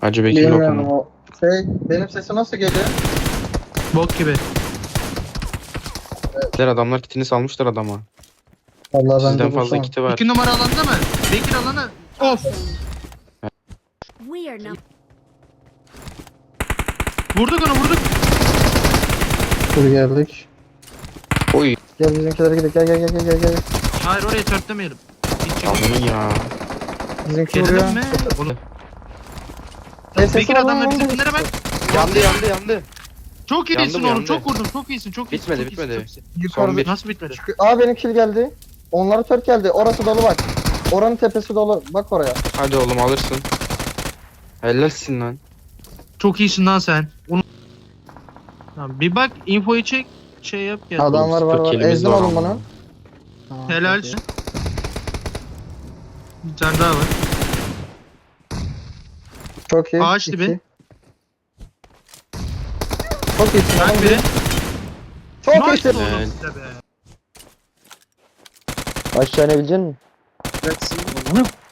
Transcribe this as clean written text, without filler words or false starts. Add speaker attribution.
Speaker 1: Hacı Bekir
Speaker 2: Bilmiyorum
Speaker 1: lokumu.
Speaker 2: o. Benim sesim nasıl geliyor?
Speaker 3: Bok gibi.
Speaker 1: Adamlar kitini salmışlar adama.
Speaker 2: Vallahi ben
Speaker 1: Sizden
Speaker 2: de
Speaker 1: fazla
Speaker 2: boşum.
Speaker 1: kiti var.
Speaker 3: 2 numara alanda mı? Bekir alana. Of.
Speaker 4: We are not.
Speaker 3: Vurduk onu vurduk.
Speaker 2: Dur geldik.
Speaker 1: Oy.
Speaker 2: Gel bizimkilere gidelim. Gel.
Speaker 3: Hayır oraya törtlemeyelim. Hiç çıkmıyor.
Speaker 1: Amını ya.
Speaker 2: Bizimki vuruyor.
Speaker 3: Gelelim mi? Oğlum.
Speaker 2: Sesi
Speaker 3: Bekir
Speaker 2: var
Speaker 3: adamlar
Speaker 2: lan,
Speaker 3: bizimkilere bak.
Speaker 1: Yandı.
Speaker 3: Çok iyisin
Speaker 1: Yandım,
Speaker 3: oğlum.
Speaker 1: yandı.
Speaker 3: Çok vurdun. Çok iyisin. Çok iyisin.
Speaker 1: Bitmedi,
Speaker 3: çok iyisin,
Speaker 1: bitmedi.
Speaker 3: çok iyisin.
Speaker 2: Yukarıda.
Speaker 1: Son bir.
Speaker 3: Nasıl bitmedi?
Speaker 2: Aa benim kill geldi. Onlara tört geldi. Orası dolu bak. Oranın tepesi dolu. Bak oraya.
Speaker 1: Hadi oğlum alırsın. Helalsin lan.
Speaker 3: Çok iyisin lan sen. Onu... Tamam, bir bak infoyu çek. Şey yap gel.
Speaker 2: Adamlar var.
Speaker 1: Sıfır killimiz
Speaker 2: Ezdim
Speaker 1: var
Speaker 2: oğlum
Speaker 1: ama.
Speaker 2: bunu. Tamam,
Speaker 3: Helalsin. Bir tane daha var.
Speaker 2: Çok iyi.
Speaker 3: Ağaç
Speaker 2: İki.
Speaker 3: dibi.
Speaker 2: Çok iyisin.
Speaker 3: Bak
Speaker 2: oğlum.
Speaker 3: biri.
Speaker 2: Çok
Speaker 3: Nice
Speaker 2: iyisin.
Speaker 3: oğlum
Speaker 1: Evet.
Speaker 3: size be.
Speaker 2: Aşağı inebilecek misin?
Speaker 3: Onu